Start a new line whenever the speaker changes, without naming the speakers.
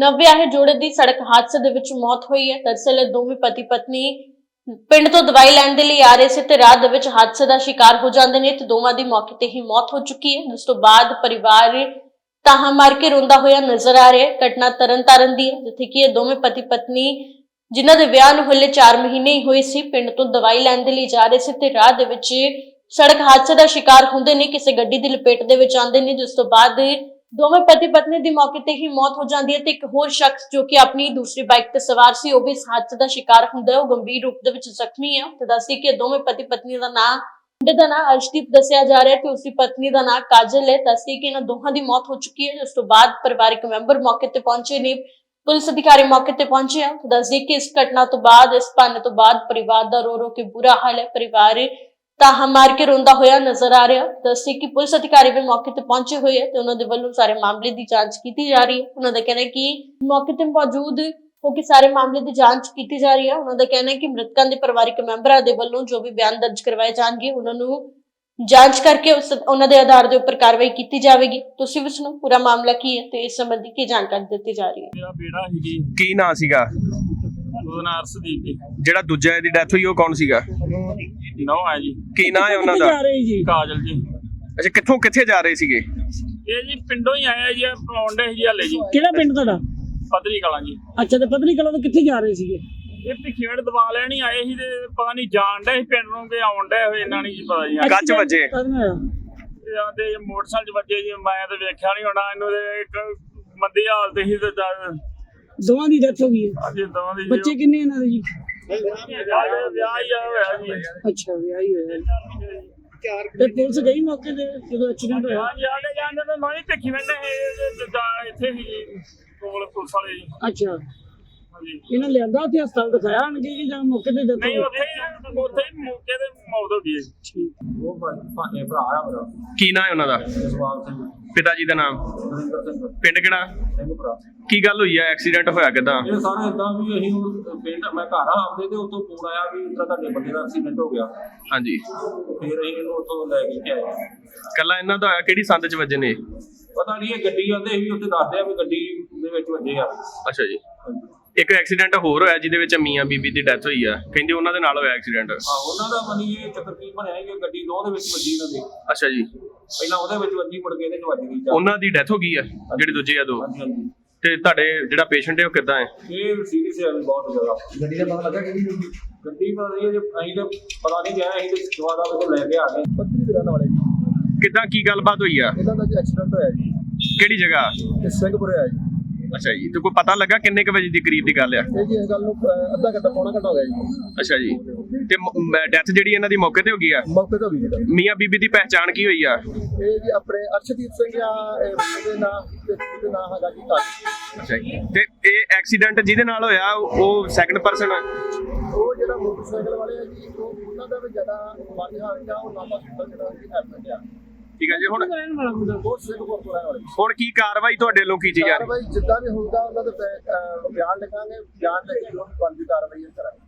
ਨਵਵਿਆਹੇ ਜੋੜੇ ਦੀ ਸੜਕ ਹਾਦਸੇ ਦੇ ਵਿੱਚ ਮੌਤ ਹੋਈ ਹੈ। ਦਰਅਸਲ ਇਹ ਦੋਵੇਂ ਪਤੀ ਪਤਨੀ ਪਿੰਡ ਤੋਂ ਦਵਾਈ ਲੈਣ ਦੇ ਲਈ ਆ ਰਹੇ ਸੀ ਤੇ ਰਾਹ ਦੇ ਵਿੱਚ ਹਾਦਸੇ ਦਾ ਸ਼ਿਕਾਰ ਹੋ ਜਾਂਦੇ ਨੇ ਤੇ ਦੋਵਾਂ ਦੀ ਮੌਕੇ ਤੇ ਹੀ ਮੌਤ ਹੋ ਚੁੱਕੀ ਹੈ। ਉਸ ਤੋਂ ਬਾਅਦ ਪਰਿਵਾਰ ਤਾਹਾਂ ਮਾਰ ਕੇ ਰੋਂਦਾ ਹੋਇਆ ਨਜ਼ਰ ਆ ਰਿਹਾ ਹੈ। ਘਟਨਾ ਤਰਨਤਾਰਨ ਦੀ ਹੈ, ਜਿੱਥੇ ਕਿ ਇਹ ਦੋਵੇਂ ਪਤੀ ਪਤਨੀ ਜਿਨ੍ਹਾਂ ਦੇ ਵਿਆਹ ਨੂੰ ਹਲੇ 4 ਮਹੀਨੇ ਹੀ ਹੋਏ ਸੀ, ਪਿੰਡ ਤੋਂ ਦਵਾਈ ਲੈਣ ਦੇ ਲਈ ਜਾ ਰਹੇ ਸੀ ਤੇ ਰਾਹ ਦੇ ਵਿੱਚ ਸੜਕ ਹਾਦਸੇ ਦਾ ਸ਼ਿਕਾਰ ਹੁੰਦੇ ਨੇ, ਕਿਸੇ ਗੱਡੀ ਦੀ ਲਪੇਟ ਦੇ ਵਿੱਚ ਆਉਂਦੇ ਨੇ, ਜਿਸ ਤੋਂ ਬਾਅਦ ਦੋਵੇਂ ਪਤੀ ਪਤਨੀ ਦੀ ਮੌਕੇ ਤੇ ਹੀ ਮੌਤ ਹੋ ਜਾਂਦੀ ਹੈ ਤੇ ਇੱਕ ਹੋਰ ਸ਼ਖਸ ਜੋ ਕਿ ਆਪਣੀ ਦੂਸਰੀ ਬਾਈਕ ਤੇ ਸਵਾਰ ਸੀ, ਉਹ ਵੀ ਇਸ ਹਾਦਸੇ ਦਾ ਸ਼ਿਕਾਰ ਹੁੰਦਾ ਹੈ। ਉਹ ਗੰਭੀਰ ਰੂਪ ਦੇ ਵਿੱਚ ਜ਼ਖਮੀ ਹੈ ਤੇ ਦੱਸੀ ਕਿ ਦੋਵੇਂ ਪਤੀ ਪਤਨੀ ਦਾ ਨਾਂ ਮੁੰਡੇ ਦਾ ਨਾਂ ਅਰਸ਼ਦੀਪ ਦੱਸਿਆ ਜਾ ਰਿਹਾ ਹੈ ਤੇ ਉਸਦੀ ਪਤਨੀ ਦਾ ਨਾਂ ਕਾਜਲ ਹੈ। ਦੱਸੀ ਕਿ ਇਹਨਾਂ ਦੋਹਾਂ ਦੀ ਮੌਤ ਹੋ ਚੁੱਕੀ ਹੈ। ਉਸ ਤੋਂ ਬਾਅਦ ਪਰਿਵਾਰਕ ਮੈਂਬਰ ਮੌਕੇ ਤੇ ਪਹੁੰਚੇ ਨੇ, ਪੁਲਿਸ ਅਧਿਕਾਰੀ ਮੌਕੇ ਤੇ ਪਹੁੰਚੇ ਆ। ਦੱਸਦੀ ਕਿ ਇਸ ਘਟਨਾ ਤੋਂ ਬਾਅਦ, ਇਸ ਭੰਨ ਤੋਂ ਬਾਅਦ ਪਰਿਵਾਰ ਦਾ ਰੋ ਰੋ ਕੇ ਬੁਰਾ ਹਾਲ ਹੈ। ਪਰਿਵਾਰ ਤਾਹਾਂ ਮਾਰ ਕੇ ਰੋਂਦਾ ਹੋਇਆ ਨਜ਼ਰ ਆ ਰਿਹਾ। ਦੱਸਦੀ ਕਿ ਪੁਲਿਸ ਅਧਿਕਾਰੀ ਵੀ ਮੌਕੇ ਤੇ ਪਹੁੰਚੇ ਹੋਏ ਆ ਤੇ ਉਹਨਾਂ ਦੇ ਵੱਲੋਂ ਸਾਰੇ ਮਾਮਲੇ ਦੀ ਜਾਂਚ ਕੀਤੀ ਜਾ ਰਹੀ ਹੈ। ਉਹਨਾਂ ਦਾ ਕਹਿਣਾ ਹੈ ਕਿ ਮੌਕੇ ਤੇ ਮੌਜੂਦ ਹੋ ਕੇ ਸਾਰੇ ਮਾਮਲੇ ਦੀ ਜਾਂਚ ਕੀਤੀ ਜਾ ਰਹੀ ਹੈ। ਉਹਨਾਂ ਦਾ ਕਹਿਣਾ ਹੈ ਕਿ ਮ੍ਰਿਤਕਾਂ ਦੇ ਪਰਿਵਾਰਕ ਮੈਂਬਰਾਂ ਦੇ ਵੱਲੋਂ ਜੋ ਵੀ ਬਿਆਨ ਦਰਜ ਕਰਵਾਏ ਜਾਣਗੇ, ਉਹਨਾਂ ਨੂੰ ਜਾਂਚ ਕਰਕੇ ਉਹਨਾਂ ਦੇ ਆਧਾਰ ਦੇ ਉੱਪਰ ਕਾਰਵਾਈ ਕੀਤੀ ਜਾਵੇਗੀ। ਤੁਸੀਂ ਵੀ ਸੁਣੋ ਪੂਰਾ ਮਾਮਲਾ ਕੀ ਹੈ ਤੇ ਇਸ ਸੰਬੰਧੀ ਕੀ ਜਾਣਕਾਰੀ ਦਿੱਤੀ ਜਾ ਰਹੀ ਹੈ।
ਮੇਰਾ ਬੇੜਾ ਸੀ ਜੀ,
ਕੀ ਨਾਂ ਸੀਗਾ?
ਉਹਦਾ ਨਾਂ ਅਰਸ਼ਦੀਪ ਜੀ।
ਜਿਹੜਾ ਦੂਜਾ ਦੀ ਡੈਥ ਹੋਈ ਉਹ ਕੌਣ ਸੀਗਾ?
ਨੌ ਹੈ ਜੀ,
ਕੀ ਨਾਂ ਹੈ ਉਹਨਾਂ ਦਾ?
ਕਾਜਲ ਜੀ।
ਅੱਛਾ, ਕਿੱਥੇ ਜਾ ਰਹੇ ਸੀਗੇ?
ਇਹ ਜੀ ਪਿੰਡੋਂ ਹੀ ਆਇਆ ਜੀ, ਪੌਂਡੇ ਜੀ ਹਲੇ ਜੀ।
ਕਿਹੜਾ ਪਿੰਡ ਤੁਹਾਡਾ?
ਪਤਰੀ ਕਲਾਂ ਜੀ।
ਅੱਛਾ, ਤੇ ਪਤਨੀ ਕਲਾਂ ਤੋਂ ਕਿੱਥੇ ਜਾ ਰਹੇ ਸੀਗੇ?
ਇਹ ਭਿੱਖੀਵਿੰਡ ਦਵਾ ਲੈਣ ਹੀ ਆਏ ਸੀ ਤੇ ਪਤਾ ਨਹੀਂ ਜਾਣ ਡਏ ਸੀ ਪਿੰਡ ਨੂੰ ਕਿ ਆਉਣ ਡਏ ਹੋਏ, ਇਹਨਾਂ ਨਹੀਂ ਜੀ ਪਤਾ ਜੀ।
ਕੱਚ ਵੱਜੇ?
ਇਹ ਆਂਦੇ ਮੋਟਰਸਾਈਕਲ 'ਚ ਵੱਜੇ ਜੀ, ਮੈਂ ਤਾਂ ਵੇਖਿਆ ਨਹੀਂ ਹੋਣਾ ਇਹਨੂੰ। ਤੇ ਇੱਕ ਮੰਦੀ ਹਾਲਤ ਸੀ ਤੇ
ਦੋਵਾਂ ਦੀ ਡੈਥ ਹੋ ਗਈ ਹੈ।
ਅੱਜ ਦੋਵਾਂ ਦੀ
ਬੱਚੇ ਕਿੰਨੇ ਇਹਨਾਂ ਦੇ ਜੀ?
ਵਿਆਹ ਹੀ ਹੋਇਆ ਜੀ।
ਅੱਛਾ, ਵਿਆਹ ਹੀ ਹੋਇਆ। ਤੇ ਪੁਲਿਸ ਗਈ ਮੌਕੇ ਤੇ ਜਦੋਂ ਐਕਸੀਡੈਂਟ ਹੋਇਆ?
ਹਾਂਜੀ, ਆਲੇ ਜਾਂਦੇ ਤੇ ਮੈਂ ਵੀ ਭਿੱਖੀਵਿੰਡ ਇੱਥੇ ਸੀ ਜੀ, ਕੋਲ ਪੁਲਿਸ ਵਾਲੇ ਜੀ।
ਅੱਛਾ,
ਹਾਂਜੀ।
ਇਹਨਾਂ ਲਿਆਂਦਾ ਉੱਥੇ ਹਸਪਤਾਲ ਦਿਖਾਇਆ ਆਣਗੇ ਕਿ ਜਾਂ ਮੌਕੇ ਤੇ death
ਨਹੀਂ,
ਹੋ
ਉੱਥੇ ਹੀ ਮੌਕੇ ਤੇ ਮੌਤ ਹੋ ਗਈ ਹੈ।
ਠੀਕ।
ਉਹ ਭਾਣੇ ਭਰਾ ਆ ਮੇਰਾ
ਕੀ ਨਾਂ ਹੈ ਉਹਨਾਂ ਦਾ?
ਜਸਵਾਲ ਸਿੰਘ,
ਪਿਤਾ ਜੀ ਦਾ ਨਾਮ?
ਨਰਿੰਦਰ ਸਿੰਘ
ਪਿੰਡ ਕਿਹੜਾ?
ਸਿੰਘ ਭਰਾ।
ਕੀ ਗੱਲ ਹੋਈ ਆ? ਐਕਸੀਡੈਂਟ ਹੋਇਆ ਕਿਦਾਂ?
ਇਹ ਸਾਰਾ ਇਦਾਂ ਵੀ ਅਸੀਂ ਹੁਣ ਪਿੰਡ, ਮੈਂ ਘਰ ਆ ਆਪਦੇ ਤੇ ਉੱਥੋਂ ਫੋਨ ਆਇਆ ਵੀ ਇਦਾਂ ਤੁਹਾਡੇ ਬੰਦੇ ਦਾ ਐਕਸੀਡੈਂਟ ਹੋ ਗਿਆ।
ਹਾਂਜੀ,
ਫਿਰ ਅਸੀਂ ਇਹਨੂੰ ਉੱਥੋਂ ਲੈ ਕੇ ਆਏ।
ਕੱਲਾ ਇਹਨਾਂ ਦਾ ਹੋਇਆ? ਕਿਹੜੀ ਸੰਦ ਚ ਵੱਜੇ ਨੇ?
ਪਤਾ ਨਹੀਂ, ਇਹ ਗੱਡੀ ਆਉਂਦੇ ਸੀ ਉੱਥੇ, ਦੱਸਦੇ ਆ ਵੀ ਗੱਡੀ ਦੇ ਵਿੱਚ ਵੱਜੇ ਆ।
ਅੱਛਾ ਜੀ। ਇੱਕ ਐਕਸੀਡੈਂਟ ਹੋਰ ਹੋਇਆ ਜਿਹਦੇ ਵਿੱਚ ਮੀਆਂ ਬੀਬੀ ਦੀ ਡੈਥ ਹੋਈ ਆ, ਕਹਿੰਦੇ ਉਹਨਾਂ ਦੇ ਨਾਲ ਹੋਇਆ ਐਕਸੀਡੈਂਟ।
ਉਹਨਾਂ ਦਾ ਮਨੀ ਇਹ ਚੱਕਰ ਕੀ ਬਣਿਆ ਕਿ ਗੱਡੀ ਦੋ ਦੇ ਵਿੱਚ ਵੱਜੀ ਇਹਨਾਂ ਦੇ।
ਅੱਛਾ ਜੀ।
ਪਹਿਲਾਂ ਉਹਦੇ ਵਿੱਚ ਵੱਜੀ, ਮੁੜ ਕੇ ਇਹਦੇ ਚ ਵੱਜ ਗਈ।
ਉਹਨਾਂ ਦੀ ਡੈਥ ਹੋ ਗਈ ਆ ਜਿਹੜੇ ਦੂਜੇ ਆ ਦੋ?
ਹਾਂਜੀ ਹਾਂਜੀ।
ਤੇ ਤੁਹਾਡੇ ਜਿਹੜਾ ਪੇਸ਼ੈਂਟ ਹੈ ਉਹ ਕਿੱਦਾਂ ਹੈ?
ਇਹ ਸੀਰੀਅਸ ਹੈ ਬਹੁਤ ਜ਼ਿਆਦਾ। ਗੱਡੀ ਦਾ ਪਤਾ ਲੱਗਾ ਕਿ ਗੱਡੀ ਪਤਾ ਨਹੀਂ, ਅਸੀਂ ਤਾਂ ਪਤਾ ਨਹੀਂ ਗਿਆ, ਅਸੀਂ ਤੇ ਦੁਆਰਾ ਉਹ ਲੈ ਕੇ ਆ ਗਏ। ਪੱਤਰੀ ਦੇ ਰਹਿਣ ਵਾਲੇ ਜੀ।
ਕਿੱਦਾਂ, ਕੀ ਗੱਲਬਾਤ ਹੋਈ ਆ?
ਇਹਨਾਂ ਦਾ ਐਕਸੀਡੈਂਟ ਹੋਇਆ ਜੀ।
ਕਿਹੜੀ ਜਗ੍ਹਾ?
ਇਹ ਸਿੰਘਪੁਰੇ ਆ ਜੀ।
ਅੱਛਾ ਜੀ। ਤੇ ਕੋਈ ਪਤਾ ਲੱਗਾ ਕਿੰਨੇ ਕੁ ਵਜੇ ਦੀ ਕਰੀਬ ਦੀ ਗੱਲ ਆ?
ਇਹ ਜੀ ਇਸ ਗੱਲ ਨੂੰ ਅੱਧਾ ਘੰਟਾ ਪੌਣਾ ਘੰਟਾ ਹੋ ਗਿਆ ਜੀ।
ਅੱਛਾ ਜੀ। ਤੇ ਡੈਥ ਜਿਹੜੀ ਇਹਨਾਂ ਦੀ ਮੌਕੇ ਤੇ ਹੋ ਗਈ ਆ?
ਮੌਕੇ ਤੇ ਹੋ ਗਈ ਜੀ।
ਮੀਆਂ ਬੀਬੀ ਦੀ ਪਹਿਚਾਣ ਕੀ ਹੋਈ ਆ?
ਇਹ ਜੀ ਆਪਣੇ ਅਰਸ਼ਦੀਪ ਸਿੰਘ ਆ, ਇਹਦੇ ਨਾਂ ਤੇ ਨਾਂ ਹੈਗਾ ਜੀ ਕਾਜਲ।
ਅੱਛਾ ਜੀ। ਤੇ ਇਹ ਐਕਸੀਡੈਂਟ ਜਿਹਦੇ ਨਾਲ ਹੋਇਆ ਉਹ ਸੈਕੰਡ ਪਰਸਨ?
ਉਹ ਜਿਹੜਾ ਮੋਟਰਸਾਈਕਲ ਵਾਲੇ ਆ ਜੀ, ਉਹਨਾਂ ਦਾ ਵੀ ਜ਼ਿਆਦਾ ਮਾੜੀ ਹਾਲਤ ਆ। ਉਹ ਨਾਮਾ ਸੁਣਦਾ ਜਿਹੜਾ ਜੀ ਐਡਮਿਟ ਆ।
ਠੀਕ ਹੈ ਜੀ। ਹੁਣ
ਰਹਿਣ ਵਾਲਾ ਮੁੰਡਾ
ਬਹੁਤ ਸਿੰਘਪੁਰ ਤੋਂ ਰਹਿਣ ਵਾਲੇ।
ਹੁਣ ਕੀ ਕਾਰਵਾਈ ਤੁਹਾਡੇ ਵੱਲੋਂ ਕੀਤੀ ਜਾ ਰਹੀ?
ਕਾਰਵਾਈ ਜਿੱਦਾਂ ਵੀ ਹੋਊਗਾ ਉਹਨਾਂ ਦੇ ਬਿਆਨ ਲਿਖਾਂਗੇ, ਬਿਆਨ ਲੈ ਕੇ ਜੋ ਵੀ ਬਣਦੀ ਕਾਰਵਾਈ ਕਰਾਂਗੇ।